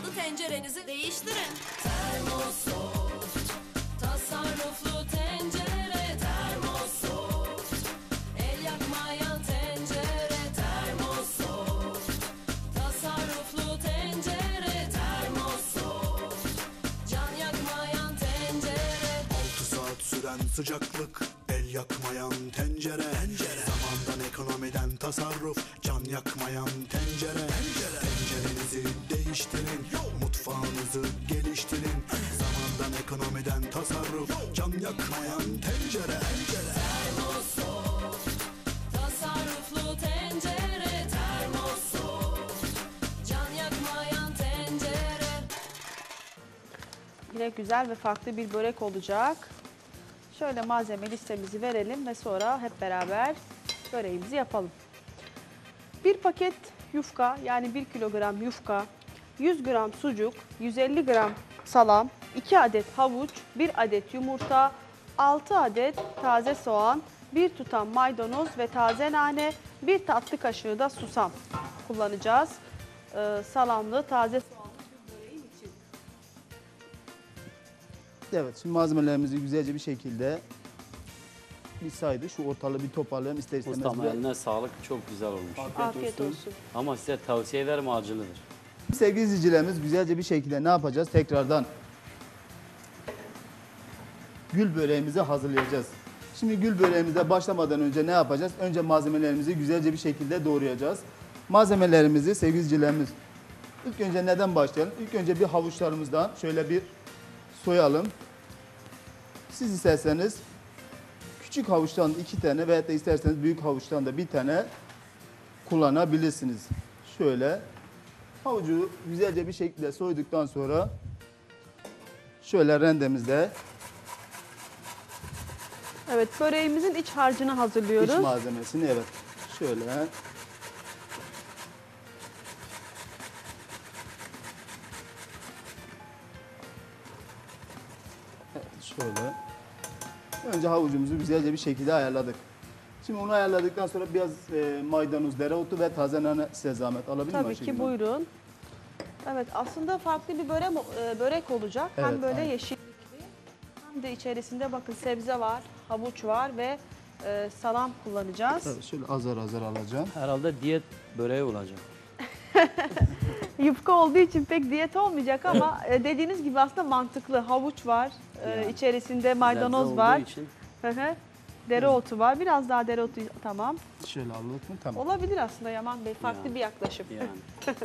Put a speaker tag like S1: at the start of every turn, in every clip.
S1: tasarruflu tencerenizi değiştirin. Termosoft, tasarruflu tencere. Termosoft, el yakmayan tencere. Termosoft, tasarruflu tencere. Termosoft, can yakmayan tencere.
S2: 6 saat süren sıcaklık, el yakmayan tencere. Zamandan, ekonomiden tasarruf, can yakmayan tencere. Tencerenizi değiştirin, mutfağınızı geliştirin. Zamandan, ekonomiden tasarruf, can yakmayan tencere.
S1: Termosoft, tasarruflu tencere. Termosoft, can yakmayan tencere.
S3: Yine güzel ve farklı bir börek olacak. Şöyle malzeme listemizi verelim ve sonra hep beraber böreğimizi yapalım. Bir paket yufka, yani 1 kilogram yufka, 100 gram sucuk, 150 gram salam, 2 adet havuç, 1 adet yumurta, 6 adet taze soğan, 1 tutam maydanoz ve taze nane, 1 tatlı kaşığı da susam kullanacağız. Salamlı, taze soğanlı bir böreğin için.
S4: Evet, şimdi malzemelerimizi güzelce bir şekilde bir saydı. Şu ortalığı bir toparlayalım ister istemez.
S5: Ustam eline sağlık, çok güzel olmuş.
S3: Afiyet olsun.
S5: Ama size tavsiye ederim, acılıdır.
S4: Sevgili izleyicilerimiz, güzelce bir şekilde ne yapacağız? Tekrardan gül böreğimizi hazırlayacağız. Şimdi gül böreğimize başlamadan önce ne yapacağız? Önce malzemelerimizi güzelce bir şekilde doğrayacağız. Malzemelerimizi sevgili izleyicilerimiz, ilk önce neden başlayalım? İlk önce bir havuçlarımızdan şöyle bir soyalım. Siz isterseniz küçük havuçtan 2 tane veya da isterseniz büyük havuçtan da 1 tane kullanabilirsiniz. Şöyle havucu güzelce bir şekilde soyduktan sonra şöyle rendemizde
S3: Evet, böreğimizin iç harcını hazırlıyoruz.
S4: iç malzemesini evet şöyle şöyle önce havucumuzu güzelce bir şekilde ayarladık. Şimdi onu ayarladıktan sonra biraz maydanoz, dereotu ve taze nane size zahmet alabilir miyim
S3: Tabii
S4: Ayşegül
S3: ki,
S4: Hanım?
S3: buyurun. Evet, aslında farklı bir börek olacak.
S4: Evet,
S3: Hem böyle
S4: aynen.
S3: yeşillikli hem de içerisinde bakın sebze var, havuç var ve salam kullanacağız.
S4: Evet, şöyle azar azar alacağım.
S5: Herhalde diyet böreği olacak.
S3: Yufka olduğu için pek diyet olmayacak ama dediğiniz gibi aslında mantıklı. Havuç var,
S5: Yani.
S3: içerisinde maydanoz
S5: Sebze
S3: var,
S5: olduğu için
S3: hı hı, dereotu var. Biraz daha dereotu, tamam.
S4: Şöyle alalım mı? Tamam.
S3: Olabilir aslında Yaman Bey, farklı
S5: Yani.
S3: bir yaklaşım.
S5: yani.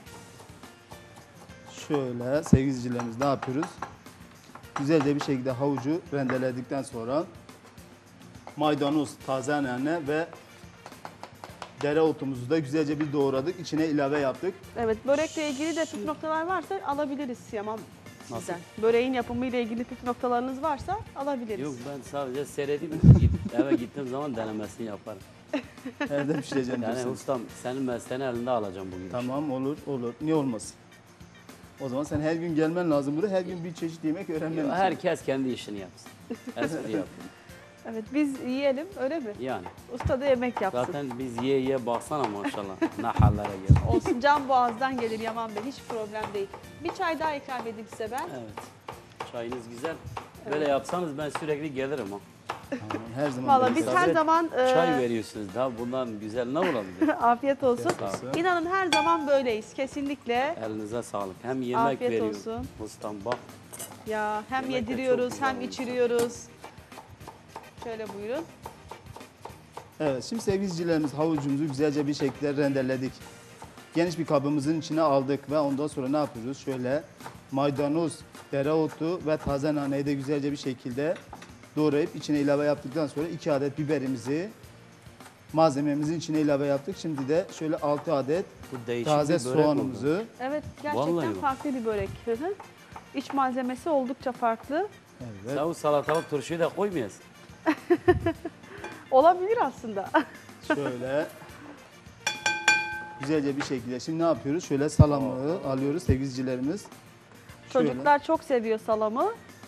S4: Şöyle sevgili izleyicilerimiz ne yapıyoruz? Güzelce bir şekilde havucu rendeledikten sonra maydanoz, taze nane ve dereotumuzu da güzelce bir doğradık. İçine ilave yaptık.
S3: Evet, börekle ilgili de püf noktalar varsa alabiliriz Yaman sizden. Böreğin yapımı ile ilgili püf noktalarınız varsa alabiliriz.
S5: Yok, ben sadece seyredip eve gittiğim zaman denemesini yaparım.
S4: Nerede pişireceğim
S5: Yani
S4: diyorsunuz?
S5: ustam, senin mesleğini elinde alacağım bugün.
S4: Tamam olur olur. Niye olmasın? O zaman sen her gün gelmen lazım buraya. Her gün bir çeşit yemek öğrenmen için.
S5: Herkes kendi işini yapsın. Espri yapın.
S3: Evet, biz yiyelim, öyle mi?
S5: Yani.
S3: Usta da yemek yapsın.
S5: Zaten biz ye ye baksana maşallah. Ne hallere geldik.
S3: Olsun, can boğazdan gelir Yaman Bey, hiç problem değil. Bir çay daha ikram edeyim size ben.
S5: Evet. Çayınız güzel. Böyle yapsanız ben sürekli gelirim ha.
S4: Tamam, her zaman
S3: Valla
S4: böyle
S3: biz
S4: sabret.
S3: her zaman
S5: Çay veriyorsunuz daha bundan güzel ne olabilir?
S3: afiyet olsun.
S5: Sağ olun.
S3: İnanın her zaman böyleyiz, kesinlikle.
S5: Elinize sağlık. Hem yemek
S3: Afiyet
S5: veriyor.
S3: olsun.
S5: Ustam bak.
S3: Ya hem
S5: Yemek de çok
S3: yediriyoruz
S5: güzel
S3: hem
S5: olmuş.
S3: içiriyoruz. Şöyle buyurun.
S4: Evet, şimdi sevgili izleyicilerimiz havucumuzu güzelce bir şekilde rendeledik. Geniş bir kabımızın içine aldık ve ondan sonra ne yapıyoruz? Şöyle maydanoz, dereotu ve taze naneyi de güzelce bir şekilde doğrayıp içine ilave yaptıktan sonra 2 adet biberimizi malzememizin içine ilave yaptık. Şimdi de şöyle 6 adet
S5: Bu değişik
S4: taze
S5: bir börek
S4: soğanımızı
S5: oldu.
S3: Evet,
S5: Vallahi
S3: gerçekten
S5: bak.
S3: farklı bir börek. Hı hı. İç malzemesi oldukça farklı.
S4: evet,
S5: Sen o salatalık turşuyu da koymayasın.
S3: Olabilir aslında.
S4: şöyle güzelce bir şekilde. Şimdi ne yapıyoruz? Şöyle salamı alıyoruz sevgili izleyicilerimiz. Şöyle.
S3: Çocuklar çok seviyor salamı.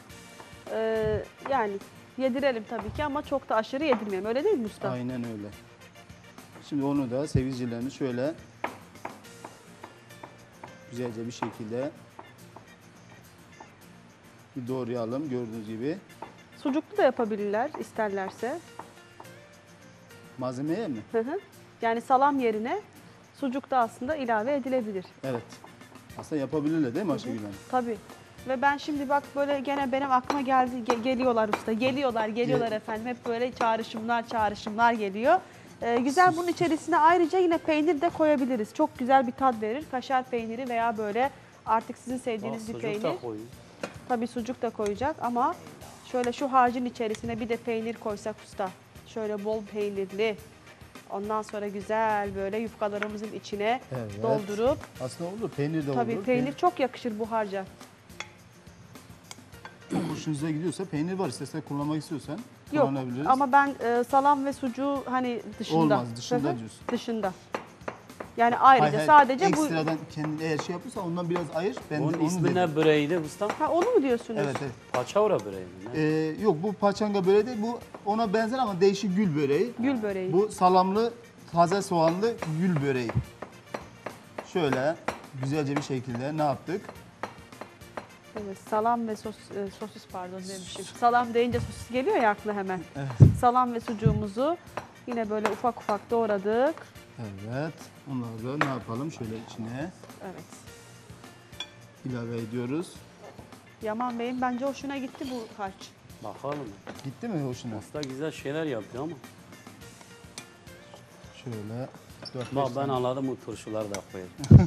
S3: Yani yedirelim tabii ki ama çok da aşırı yedirmeyelim. Öyle değil mi usta?
S4: Aynen öyle. Şimdi onu da sevgili izleyicilerimiz şöyle güzelce bir şekilde bir doğrayalım gördüğünüz gibi.
S3: Sucuklu da yapabilirler isterlerse.
S4: Malzemeye mi?
S3: Hı hı. Yani salam yerine sucuk da aslında ilave edilebilir.
S4: Evet. Aslında yapabilirler değil mi Ayşegül Hanım?
S3: Tabii. Ve ben şimdi bak böyle gene benim aklıma geldi. Geliyorlar usta. Geliyorlar efendim. Hep böyle çağrışımlar geliyor. Güzel, bunun içerisine ayrıca yine peynir de koyabiliriz. Çok güzel bir tat verir. Kaşar peyniri veya böyle artık sizin sevdiğiniz bir
S5: Sucuk
S3: peynir.
S5: da koyun.
S3: Tabii sucuk da koyacak ama şöyle şu harcın içerisine bir de peynir koysak usta. Şöyle bol peynirli. Ondan sonra güzel böyle yufkalarımızın içine
S4: Evet.
S3: doldurup.
S4: Aslında olur. Peynir de
S3: Tabii
S4: olur.
S3: peynir çok yakışır bu harca.
S4: Çok hoşunuza gidiyorsa peynir var. İstersen kullanmak istiyorsan
S3: Yok
S4: kullanabiliriz.
S3: ama ben salam ve sucuğu hani dışında.
S4: Olmaz, dışında
S3: Hı hı,
S4: diyorsun.
S3: Dışında. Yani ayrıca
S4: Hayır, hayır,
S3: sadece bu.
S4: ekstradan kendin eğer şey yapıyorsan ondan biraz ayır. Ben de
S5: Onun
S4: onu
S5: ismi
S4: dedim.
S5: ne böreğiydi ustam?
S3: Ha, onu mu diyorsunuz?
S4: Evet, evet.
S5: Paçavra böreği mi? Ne?
S4: Yok bu paçanga böreği değil. Bu ona benzer ama değişik gül böreği.
S3: Gül böreği.
S4: Bu salamlı, taze soğanlı gül böreği. Şöyle güzelce bir şekilde ne yaptık?
S3: Evet, salam ve sosis pardon demişim. Salam deyince sosis geliyor ya akla hemen.
S4: Evet.
S3: Salam ve sucuğumuzu yine böyle ufak ufak doğradık.
S4: Evet. Onları da ne yapalım? Şöyle içine
S3: Evet.
S4: ilave ediyoruz.
S3: Yaman Bey'in bence hoşuna gitti bu harç.
S5: Bakalım.
S4: Gitti mi hoşuna?
S5: Usta güzel şeyler yapıyor ama.
S4: Şöyle 4-5
S5: Bak ben
S4: tane.
S5: anladım, bu turşuları da koyacağım.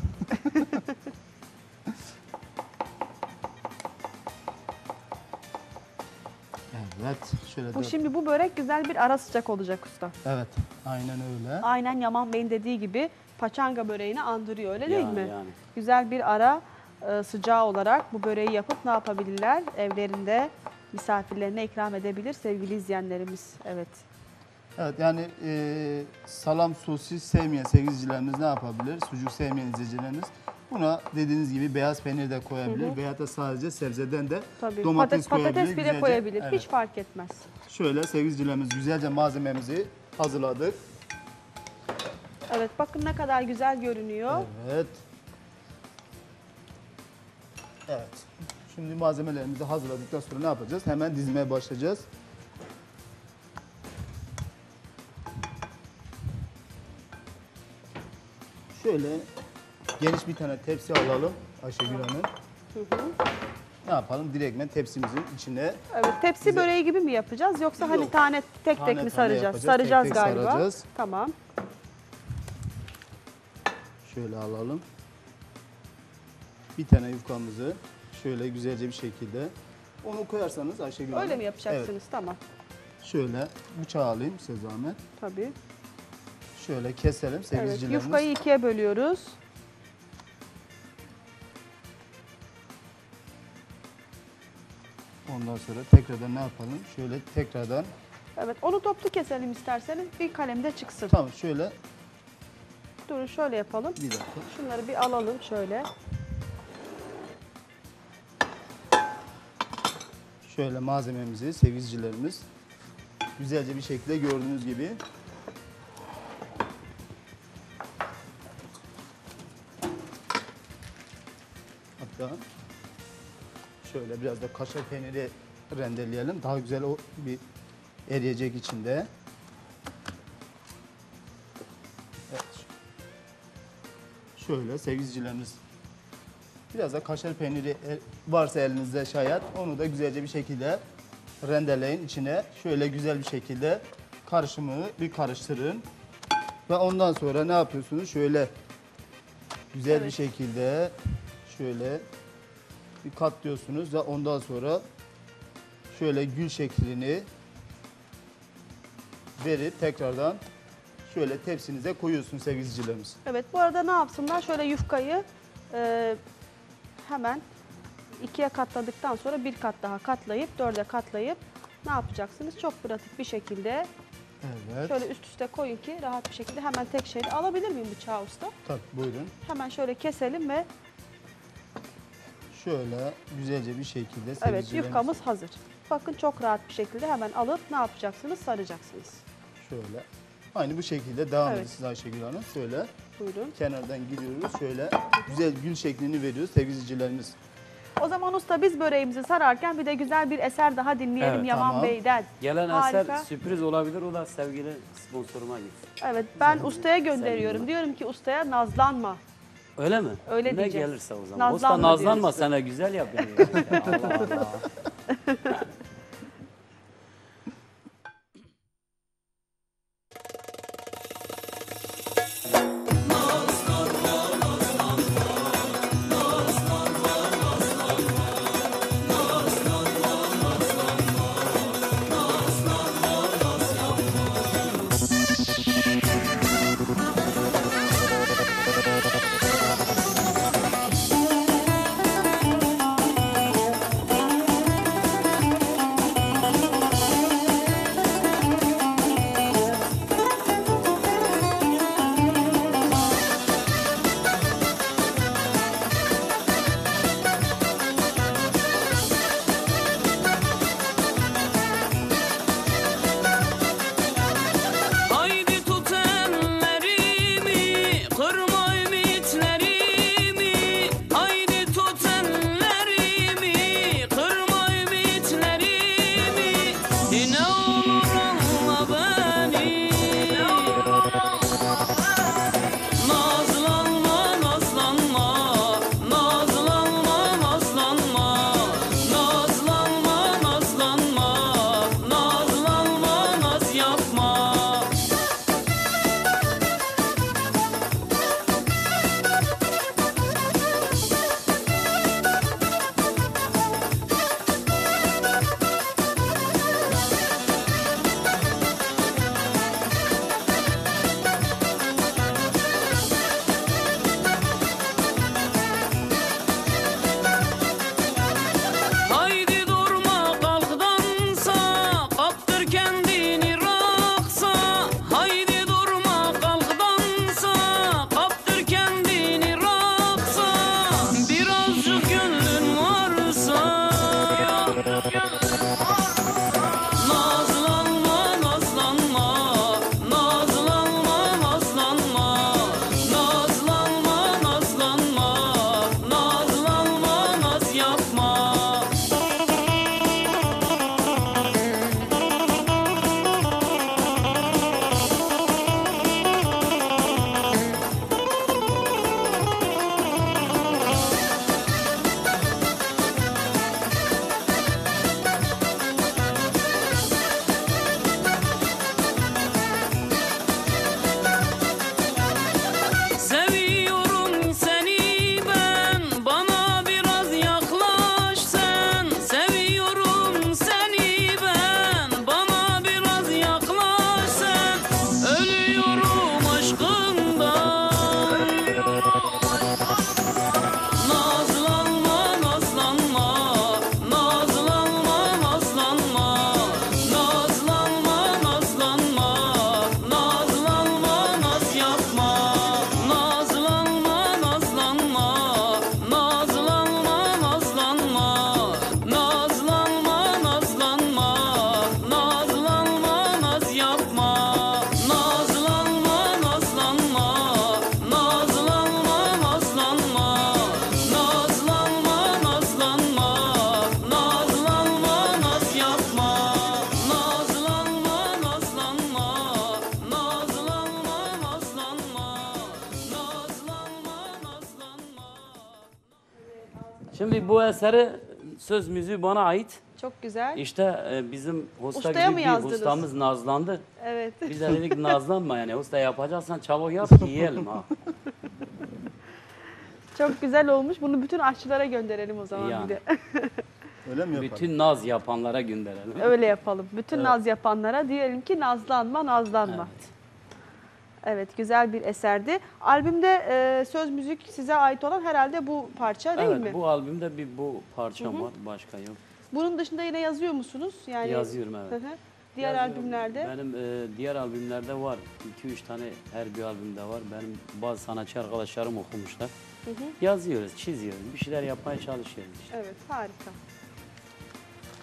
S4: Evet. Şöyle
S3: Bu şimdi bu börek güzel bir ara sıcak olacak usta.
S4: Evet. Aynen öyle.
S3: Aynen Yaman Bey'in dediği gibi paçanga böreğini andırıyor öyle değil mi?
S5: Yani.
S3: Güzel bir ara sıcağı olarak bu böreği yapıp ne yapabilirler? Evlerinde misafirlerine ikram edebilir sevgili izleyenlerimiz. Evet.
S4: Evet yani salam sosis sevmeyen sevgili izleyicilerimiz ne yapabilir? Sucuk sevmeyen izleyicilerimiz buna dediğiniz gibi beyaz peynir de koyabilir veya da sadece sebzeden de
S3: Tabii.
S4: domates koyabilir.
S3: Patates bile
S4: güzelce.
S3: koyabilir.
S4: Evet.
S3: Hiç fark etmez.
S4: Şöyle sevgili izleyicilerimiz güzelce malzememizi hazırladık.
S3: Evet bakın ne kadar güzel görünüyor.
S4: Evet. Evet. Şimdi malzemelerimizi hazırladıktan sonra ne yapacağız? Hemen dizmeye başlayacağız. Şöyle geniş bir tane tepsi alalım Ayşegül Hanım. Ne yapalım? Direktmen tepsimizin içine
S3: Evet, tepsi böreği gibi mi yapacağız yoksa hani
S4: Yok.
S3: tane tek
S4: Tane
S3: mi
S4: tane
S3: saracağız?
S4: yapacağız,
S3: Saracağız
S4: tek tek
S3: galiba.
S4: saracağız.
S3: Tamam.
S4: şöyle alalım. Bir tane yufkamızı şöyle güzelce bir şekilde onu koyarsanız Ayşegül Hanım.
S3: Öyle mi yapacaksınız?
S4: Evet.
S3: Tamam.
S4: Şöyle bıçağı alayım size zahmet.
S3: Tabii.
S4: Şöyle keselim
S3: Evet,
S4: sevgilicilerimiz.
S3: yufkayı ikiye bölüyoruz.
S4: Ondan sonra tekrardan ne yapalım? Şöyle tekrardan
S3: Evet, onu toplu keselim isterseniz. Bir kalemde çıksın.
S4: tamam şöyle
S3: Durun şöyle yapalım.
S4: bir dakika.
S3: Şunları bir alalım şöyle.
S4: Şöyle malzememizi sevgilicilerimiz güzelce bir şekilde gördüğünüz gibi hatta şöyle biraz da kaşar peyniri rendeleyelim. Daha güzel o bir eriyecek içinde. Evet. Şöyle sevgilicilerimiz biraz da kaşar peyniri varsa elinizde şayet onu da güzelce bir şekilde rendeleyin içine. Şöyle güzel bir şekilde karışımı bir karıştırın. Ve ondan sonra ne yapıyorsunuz? Şöyle güzel bir
S3: Evet.
S4: şekilde şöyle bir katlıyorsunuz ve ondan sonra şöyle gül şeklini verip tekrardan şöyle tepsinize koyuyorsunuz sevgili izleyicilerimiz.
S3: Evet, bu arada ne yapsınlar? Şöyle yufkayı hemen ikiye katladıktan sonra bir kat daha katlayıp dörde katlayıp ne yapacaksınız? Çok pratik bir şekilde
S4: Evet.
S3: şöyle üst üste koyun ki rahat bir şekilde hemen tek şeyde alabilir miyim bıçağı usta?
S4: Tabii buyurun.
S3: Hemen şöyle keselim ve
S4: Şöyle güzelce bir şekilde
S3: evet
S4: sevgilicilerimiz-
S3: yufkamız hazır. Bakın çok rahat bir şekilde hemen alıp ne yapacaksınız? Saracaksınız.
S4: Şöyle. Aynı bu şekilde devam
S3: Evet.
S4: edin siz Ayşegül Hanım. Şöyle
S3: Buyurun.
S4: Kenardan giriyoruz. Şöyle güzel gül şeklini veriyoruz sevgili izleyicilerimiz.
S3: O zaman usta biz böreğimizi sararken bir de güzel bir eser daha dinleyelim
S5: Evet,
S3: Yaman
S4: tamam.
S3: Bey'den.
S5: Gelen
S3: Harika.
S5: eser sürpriz olabilir. O da sevgili sponsoruma gitsin.
S3: Evet, ben ustaya gönderiyorum.
S5: Sevgili.
S3: Diyorum ki ustaya nazlanma.
S5: Öyle mi?
S3: Öyle
S5: ne
S3: diyeceğiz.
S5: gelirse o zaman.
S3: Nazlanma
S5: Usta nazlanma
S3: diyoruz.
S5: sana güzel yapıyor. Allah Allah.
S6: Haydi tut ellerimi, kırma ümitlerimi. Haydi tut ellerimi, kırma ümitlerimi. Ne olur anla beni. Nazlanma, nazlanma, nazlanma, nazlanma. Nazlanma, nazlanma, nazlanma, naz yapma. Haydi durma kalk dansa, kaptır kendini raksa. Haydi durma kalk dansa, kaptır kendini raksa. Birazcık gönlün varsa. Nazlanma, nazlanma, nazlanma, nazlanma. Nazlanma, nazlanma, nazlanma, naz yapma. Seviyorum seni ben, bana biraz yaklaş sen. Seviyorum seni ben, bana biraz yaklaş sen. Ölüyorum aşkından. Nazlanma, nazlanma, nazlanma, nazlanma. Nazlanma, nazlanma, nazlanma, naz yapma. Nazlanma, nazlanma, nazlanma, nazlanma. Nazlanma, nazlanma, nazlanma, naz yapma. Nazlanma, nazlanma, nazlanma, nazlanma. Nazlanma, nazlanma, nazlanma, naz yapma. Nazlanma, nazlanma, nazlanma, nazlanma. Nazlanma, nazlanma.
S5: Şimdi bu eseri söz müziği bana ait.
S3: Çok güzel.
S5: İşte bizim usta
S3: Ustaya
S5: gibi
S3: mı
S5: bir
S3: yazdınız?
S5: ustamız nazlandı.
S3: Evet.
S5: Biz de dedik nazlanma yani usta yapacaksan çabuk yap yiyelim ha.
S3: Çok güzel olmuş. Bunu bütün aşçılara gönderelim o zaman
S5: Yani.
S3: bir de.
S4: Öyle mi yapalım?
S5: Bütün naz yapanlara gönderelim.
S3: Öyle yapalım. Bütün
S5: Evet.
S3: naz yapanlara diyelim ki nazlanma, nazlanma.
S5: Evet.
S3: Evet, güzel bir eserdi. Albümde söz müzik size ait olan herhalde bu parça değil
S5: Evet,
S3: mi?
S5: bu albümde bu parçam var, başka yok.
S3: Bunun dışında yine yazıyor musunuz? Yani
S5: Yazıyorum, evet.
S3: Hı hı. Diğer
S5: Yazıyorum.
S3: albümlerde?
S5: Benim diğer albümlerde var. 2-3 tane her bir albümde var. Benim bazı sanatçı arkadaşlarım okumuşlar. Yazıyoruz, çiziyoruz. Bir şeyler yapmaya çalışıyoruz işte.
S3: Evet, harika.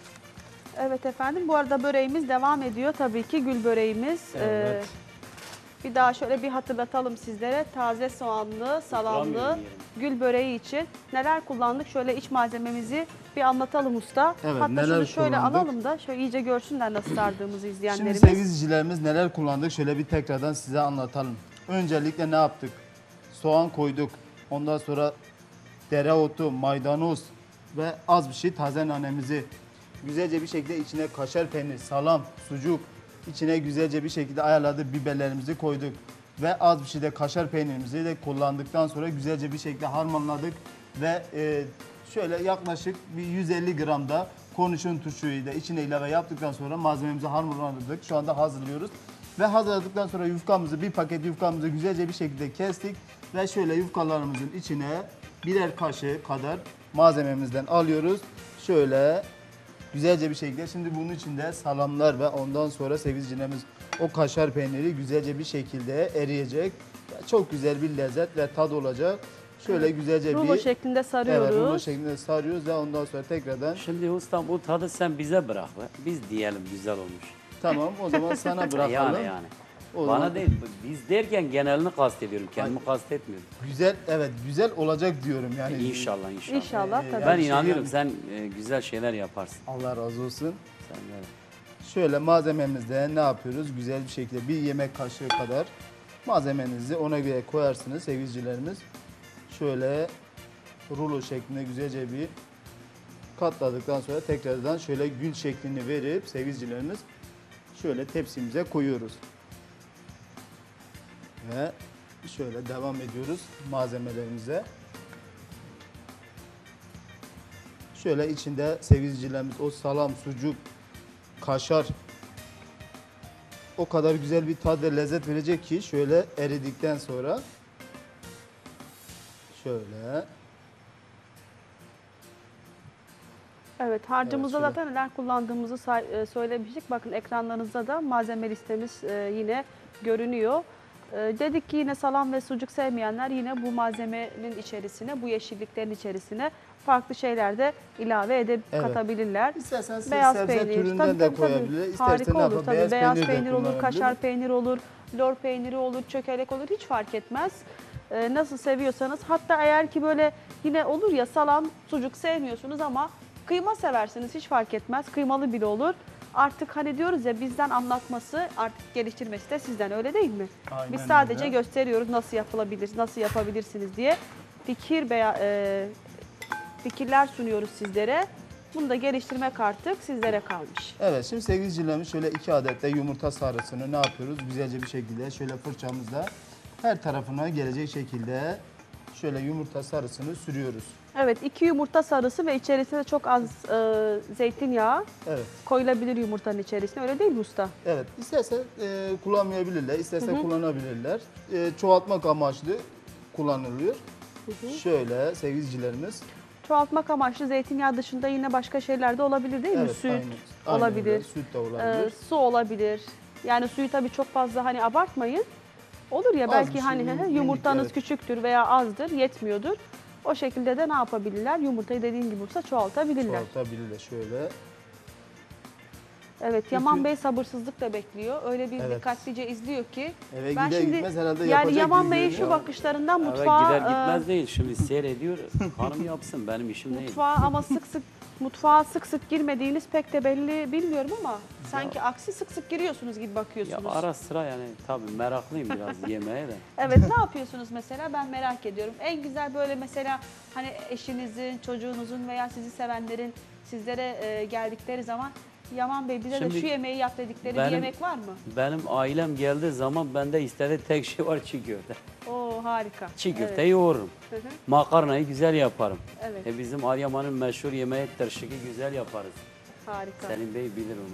S3: Evet efendim, bu arada böreğimiz devam ediyor tabii ki. Gül böreğimiz.
S5: Evet.
S3: Bir daha şöyle bir hatırlatalım sizlere. Taze soğanlı, salamlı
S5: Duramıyorum
S3: gül böreği için neler kullandık? Şöyle iç malzememizi bir anlatalım usta.
S4: Evet,
S3: Hatta
S4: neler
S3: şunu şöyle
S4: kullandık?
S3: alalım da şöyle iyice görsünler nasıl sardığımızı
S4: Şimdi
S3: izleyenlerimiz.
S4: sevgili izleyicilerimiz neler kullandık şöyle bir tekrardan size anlatalım. Öncelikle ne yaptık? Soğan koyduk. Ondan sonra dereotu, maydanoz ve az bir şey taze nanemizi güzelce bir şekilde içine kaşar peynir, salam, sucuk içine güzelce bir şekilde ayarladık. Biberlerimizi koyduk ve az bir şey de kaşar peynirimizi de kullandıktan sonra güzelce bir şekilde harmanladık ve şöyle yaklaşık bir 150 gram da kornişon turşuyu da içine ilave yaptıktan sonra malzememizi harmanladık. Şu anda hazırlıyoruz. Ve hazırladıktan sonra yufkamızı, bir paket yufkamızı güzelce bir şekilde kestik. Ve şöyle yufkalarımızın içine birer kaşık kadar malzememizden alıyoruz. Şöyle güzelce bir şekilde. Şimdi bunun içinde salamlar ve ondan sonra sevgili izleyicilerimiz o kaşar peyniri güzelce bir şekilde eriyecek. Çok güzel bir lezzet ve tad olacak. Şöyle güzelce
S3: Rulo
S4: bir...
S3: şeklinde sarıyoruz.
S4: Evet, rulo şeklinde sarıyoruz ve ondan sonra tekrardan
S5: Şimdi ustam bu tadı sen bize bırak be. Biz diyelim güzel olmuş.
S4: tamam o zaman sana bırakalım.
S5: Yani.
S4: O
S5: Bana
S4: zaman-
S5: değil, biz derken genelini kastediyorum, kendimi kastetmiyorum.
S4: Güzel, evet güzel olacak diyorum yani.
S5: İnşallah, inşallah.
S3: İnşallah tabii.
S5: Ben
S4: şey
S5: inanıyorum
S4: yani-
S5: sen güzel şeyler yaparsın.
S4: Allah razı olsun.
S5: Sen de.
S4: Şöyle malzememizde ne yapıyoruz? Güzel bir şekilde bir yemek kaşığı kadar malzemenizi ona göre koyarsınız sevgilicilerimiz. Şöyle rulo şeklinde güzelce bir katladıktan sonra tekrardan şöyle gül şeklini verip sevgilicilerimiz şöyle tepsimize koyuyoruz. Ve şöyle devam ediyoruz malzemelerimize. Şöyle içinde sevgilicilerimiz o salam, sucuk, kaşar o kadar güzel bir tat ve lezzet verecek ki şöyle eridikten sonra şöyle
S3: Evet, harcımızda
S4: Evet, şöyle.
S3: zaten neler kullandığımızı söylemiştik. Bakın ekranlarınızda da malzeme listemiz yine görünüyor. Dedik ki yine salam ve sucuk sevmeyenler yine bu malzemenin içerisine, bu yeşilliklerin içerisine farklı şeyler de ilave edip
S4: Evet.
S3: katabilirler.
S4: İstersen
S3: Beyaz
S4: sebze
S3: peynir,
S4: türünden
S3: tabii,
S4: de
S3: tabii, tabii.
S4: koyabilir. İstersen
S3: Harika
S4: ne
S3: olur
S4: yapar?
S3: tabii. Beyaz
S4: de
S3: peynir olur,
S4: kullanabilir.
S3: kaşar peyniri olur, lor peyniri olur, çökelek olur hiç fark etmez. Nasıl seviyorsanız. Hatta eğer ki böyle yine olur ya salam, sucuk sevmiyorsunuz ama kıyma seversiniz hiç fark etmez. Kıymalı bile olur. Artık hani diyoruz ya bizden anlatması, artık geliştirmesi de sizden öyle değil mi?
S4: Aynen
S3: Biz sadece
S4: öyle.
S3: gösteriyoruz nasıl yapılabilir, nasıl yapabilirsiniz diye fikirler sunuyoruz sizlere. Bunu da geliştirmek artık sizlere kalmış.
S4: Evet, şimdi sevgili izleyicilerimiz şöyle 2 adet de yumurta sarısını ne yapıyoruz? Güzelce bir şekilde şöyle fırçamızla her tarafına gelecek şekilde şöyle yumurta sarısını sürüyoruz.
S3: Evet, 2 yumurta sarısı ve içerisine çok az zeytinyağı
S4: Evet.
S3: koyulabilir yumurtanın içerisine. Öyle değil mi usta?
S4: Evet, isterse kullanmayabilirler, isterse kullanabilirler. Çoğaltmak amaçlı kullanılıyor. Şöyle sevgili izleyicilerimiz.
S3: Çoğaltmak amaçlı zeytinyağı dışında yine başka şeyler de olabilir değil mi?
S4: Evet,
S3: Süt
S4: aynen
S3: olabilir,
S4: öyle. Süt de olabilir.
S3: su olabilir. Yani suyu tabii çok fazla hani abartmayın. Olur ya
S4: Az
S3: belki
S4: bir
S3: hani
S4: şey,
S3: yumurtanız
S4: minik, evet.
S3: küçüktür veya azdır, yetmiyordur. O şekilde de ne yapabilirler? Yumurtayı dediğin gibi olsa çoğaltabilirler.
S4: Çoğaltabilirler şöyle.
S3: Evet, Yaman Bey sabırsızlıkla bekliyor. Öyle bir
S4: Evet.
S3: dikkatlice izliyor ki.
S4: Eve
S3: Ben
S4: gider
S3: şimdi
S4: gitmez herhalde
S3: yani
S4: yapacak
S3: Yaman
S4: gibi
S3: Bey'in şu
S4: görünüyor.
S3: bakışlarından
S5: Eve
S3: mutfağa
S5: gider gitmez değil, şimdi seyrediyor, hanım yapsın, benim işim değil.
S3: mutfağa sık sık girmediğiniz pek de belli bilmiyorum ama sanki aksi sık sık giriyorsunuz gibi
S5: Ya
S3: bakıyorsunuz.
S5: ara sıra yani tabii meraklıyım biraz yemeğe de.
S3: Evet, ne yapıyorsunuz mesela ben merak ediyorum. En güzel böyle mesela hani eşinizin, çocuğunuzun veya sizi sevenlerin sizlere geldikleri zaman Yaman Bey bize de
S5: Şimdi
S3: şu yemeği yap dedikleri bir
S5: benim-
S3: yemek var mı?
S5: Benim ailem geldiği zaman bende istediği tek şey var çiğ köfte.
S3: Oo harika.
S5: Çiğ köfte
S3: Evet.
S5: yoğururum.
S3: Hı hı.
S5: Makarnayı güzel yaparım.
S3: Evet.
S5: Bizim Adıyaman'ın meşhur yemeği tırşıkı güzel yaparız.
S3: Harika.
S5: Selim Bey bilir onu.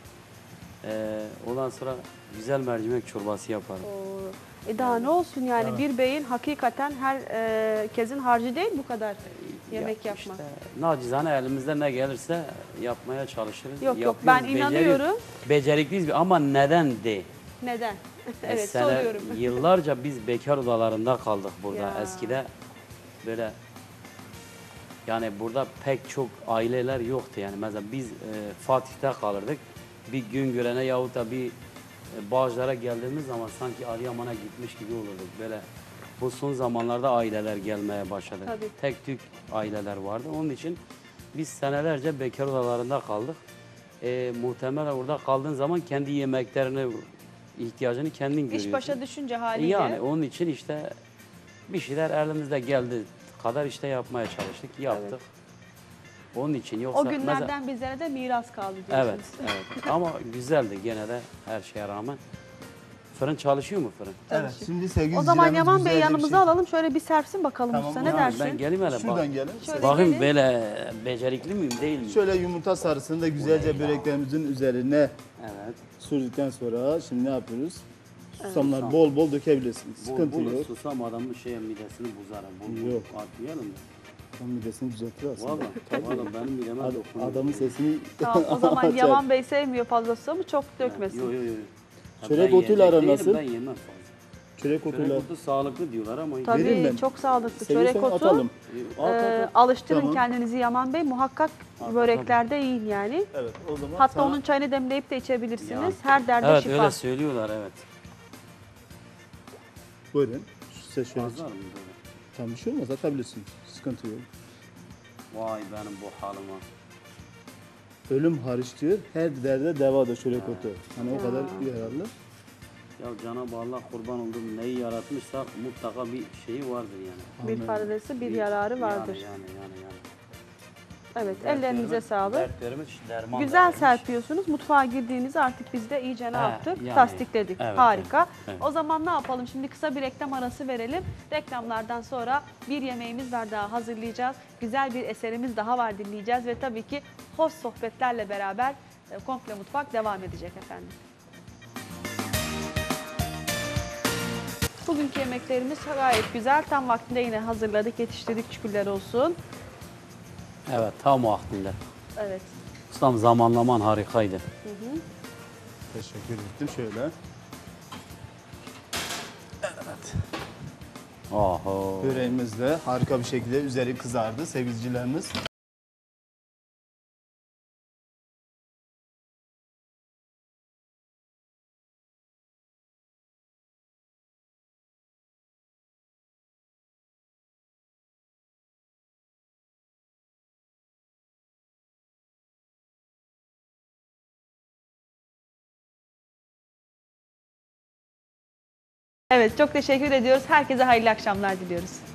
S5: Ondan sonra güzel mercimek çorbası yaparım.
S3: Oo. Daha ne olsun yani
S4: Evet.
S3: bir beyin hakikaten herkesin harcı değil bu kadar yemek
S5: Ya
S3: yapmak.
S5: işte, nacizane elimizden ne gelirse yapmaya çalışırız.
S3: Yok,
S5: Yapıyoruz,
S3: ben
S5: beceriyoruz.
S3: inanıyorum.
S5: Becerikliyiz ama neden de?
S3: Neden? Evet
S5: Sene-
S3: soruyorum.
S5: Yıllarca biz bekar odalarında kaldık burada.
S3: Ya.
S5: Eskide böyle yani burada pek çok aileler yoktu yani. Mesela biz Fatih'te kalırdık. Bir gün görene yahut da bir Bağcılar'a geldiğimiz zaman sanki Adıyaman'a gitmiş gibi olurduk. Böyle bu son zamanlarda aileler gelmeye başladı.
S3: Tabii.
S5: Tek tük aileler vardı. Onun için biz senelerce bekar odalarında kaldık. Muhtemelen orada kaldığın zaman kendi yemeklerini, ihtiyacını kendin görüyorsun.
S3: İş başa düşünce haliyle.
S5: Yani onun için işte bir şeyler elimizde geldi kadar işte yapmaya çalıştık, yaptık. Onun için yoksa
S3: O günlerden bizlere de miras kaldı diyorsunuz.
S5: evet, evet. Ama güzeldi gene de her şeye rağmen. Fırın çalışıyor mu fırın?
S4: Evet. Şimdi sevgili
S3: O zaman
S4: izleyicilerimiz
S3: Yaman Bey
S4: güzelce bir
S3: yanımıza
S4: şey-
S3: alalım. Şöyle bir serpsin bakalım
S4: Tamam,
S3: usta.
S4: yani
S3: Ne dersin?
S5: Ben geleyim hele bak.
S4: Şuradan gelin.
S3: Şöyle
S5: Bakayım
S3: gelin.
S5: böyle becerikli miyim değil miyim?
S4: Şöyle yumurta sarısını da güzelce böreklerimizin üzerine
S5: Evet.
S4: sürdükten sonra şimdi ne yapıyoruz? Susamlar bol bol dökebilirsiniz. Sıkıntı
S5: Bol bol
S4: yok.
S5: susam adamın midesini bozar. Bol bol
S4: Yok.
S5: atmayalım da.
S4: Tam midesini düzeltir aslında.
S5: Valla benim mideme dokunuyor.
S4: Adamın sesini
S3: Tamam, o zaman
S4: açar.
S3: Yaman Bey sevmiyor fazla susamı, çok dökmesin.
S5: Yok yok yok.
S4: Çörek otuyla aran
S5: değilim,
S4: nasıl?
S5: Ben yemem fazla.
S4: Çörek
S5: Çörek
S4: otuyla
S5: otu sağlıklı diyorlar ama
S4: Vereyim
S3: Tabii
S4: ben.
S3: çok sağlıklı.
S4: seviyorsan
S3: Çörek otu.
S4: atalım.
S3: Alıştırın
S4: Tamam.
S3: kendinizi Yaman Bey. Muhakkak böreklerde yiyin yani.
S4: Evet o zaman
S3: Hatta
S4: sana-
S3: onun çayını demleyip de içebilirsiniz.
S5: Ya.
S3: Her derde
S5: Evet
S3: şifa.
S5: öyle söylüyorlar evet.
S4: Buyurun. Size şöyle.
S5: Fazla mı böyle?
S4: Tam bir şey olmaz atabilirsin. Sıkıntı yok.
S5: Vay benim bu halıma.
S4: Ölüm hariç diyor. Her derde devadır çörek otu. Hani o kadar yararlı.
S5: Ya Cenab-ı Allah kurban olduğum neyi yaratmışsa mutlaka bir şeyi vardır yani.
S3: Bir faydası, bir yararı vardır.
S5: Yani.
S3: Evet, ellerinize
S5: Dertlerimiz-
S3: sağlık.
S5: Dertlerimiz derman
S3: Güzel
S5: dermiş.
S3: serpiyorsunuz. Mutfağa girdiğinizde artık biz de iyice ne
S5: He,
S3: yaptık?
S5: yani.
S3: Tasdikledik.
S5: Evet,
S3: Harika.
S5: evet.
S3: O zaman ne yapalım? Şimdi kısa bir reklam arası verelim. Reklamlardan sonra bir yemeğimiz var daha hazırlayacağız. Güzel bir eserimiz daha var dinleyeceğiz ve tabii ki hoş sohbetlerle beraber Komple Mutfak devam edecek efendim. Bugünkü yemeklerimiz gayet güzel. Tam vaktinde yine hazırladık, yetiştirdik. Şükürler olsun.
S5: Evet tam vaktinde.
S3: Evet.
S5: Ustam zamanlaman harikaydı.
S4: Teşekkür ettim. Şöyle.
S5: Oho.
S4: Böreğimiz de harika bir şekilde üzeri kızardı sevgilicilerimiz.
S3: Evet, çok teşekkür ediyoruz. Herkese hayırlı akşamlar diliyoruz.